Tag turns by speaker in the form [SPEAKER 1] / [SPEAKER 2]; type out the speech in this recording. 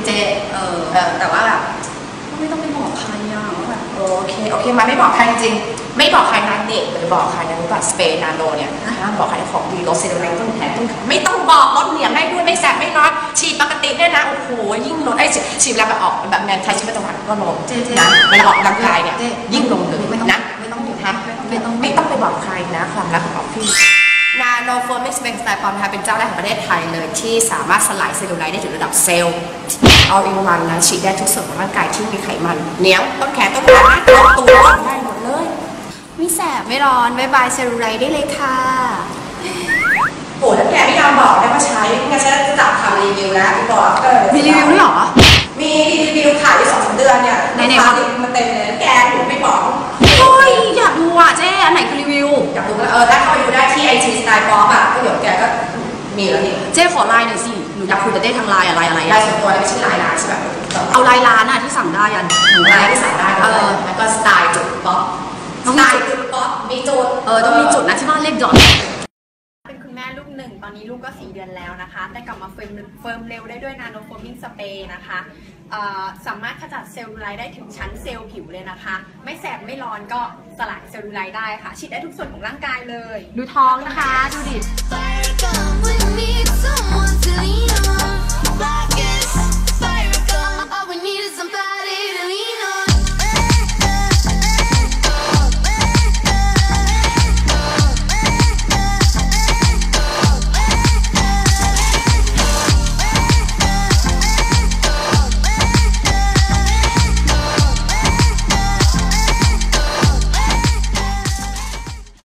[SPEAKER 1] เจแต่ว่าแบบไม่ต้องไปบอกใครอ่ะแบบโอเคมาไม่บอกใครจริงไม่บอกใครนะเด็กหรือบอกใครนะรู้ป่ะสเปรย์นาโนเนี่ยห้ามบอกใครของดีลดเซลลูไลท์ต้นแขนไม่ต้องบอกลดเหนียงได้ด้วยไม่แสบไม่ร้อนฉีดปกติเนี่ยนะโอ้โหยิ่งลดฉีดแล้วแบบออกแบบงานใช้ชีวิตประจำวันก็ลงนะเวลาออกกำลังกายเนี่ยยิ่งลงเลยนะไม่ต้องไปบอกใครนะความรักของออฟฟี่นาโนโฟมิกซ์เป็นสไตล์ปอมนะคะเป็นเจ้าแรกของประเทศไทยเลยที่สามารถสลายเซลลูไลท์ได้ถึงระดับเซลล์ all in one นะฉีดได้ทุกส่วนของร่างกายที่มีไขมันเหนียวต้นแขนต้นขาตัวได้หมดเลยไม่แสบไม่ร้อนบายบายเซลลูไลท์ได้เลยค่ะโอ้แล้วแกไม่ยอมบอกได้ว่าใช้งั้นฉันจะจับทำรีวิวแล้วบอกมีรีวิวด้วยหรอมีรีวิวขายอยู่2-3 เดือนเนี่ยในมันเต็มเลยแกหนูไม่บอกโอ้ยอยากดูอ่ะเจ๊อันไหนคือรีวิวอยากดูแล้วถ้าเข้าไปดูได้ที่ IG สไตล์ป๊อปอ่ะก็เดี๋ยวแกก็มีแล้วนี่เจ๊ขอไลน์หน่อยสิหนูอยากคุยกับเจ๊ทางไลน์อะไรไลน์ส่วนตัวไม่ใช่ไลน์ร้านใช่ไหมเอาไลน์ร้านอ่ะที่สั่งได้ยันไลน์ที่สั่งได้แล้วก็สไตล์จุดป๊อปสไตล์จุดป๊อปมีจุดต้องมีจุดนะที่บ้านเลขดอท
[SPEAKER 2] เป็นคุณแม่ลูก1ตอนนี้ลูกก็4 เดือนแล้วนะคะแต่กลับมาเฟิร์มเร็วได้ด้วยนาโนโฟมิงสเปรย์นะคะสามารถขจัดเซลลูไลท์ได้ถึงชั้นเซลล์ผิวเลยนะคะไม่แสบไม่ร้อนก็สลายเซลลูไลท์ได้ค่ะฉีดได้ทุกส่วนของร่างกายเลย
[SPEAKER 1] ดูท้องนะคะดูดิ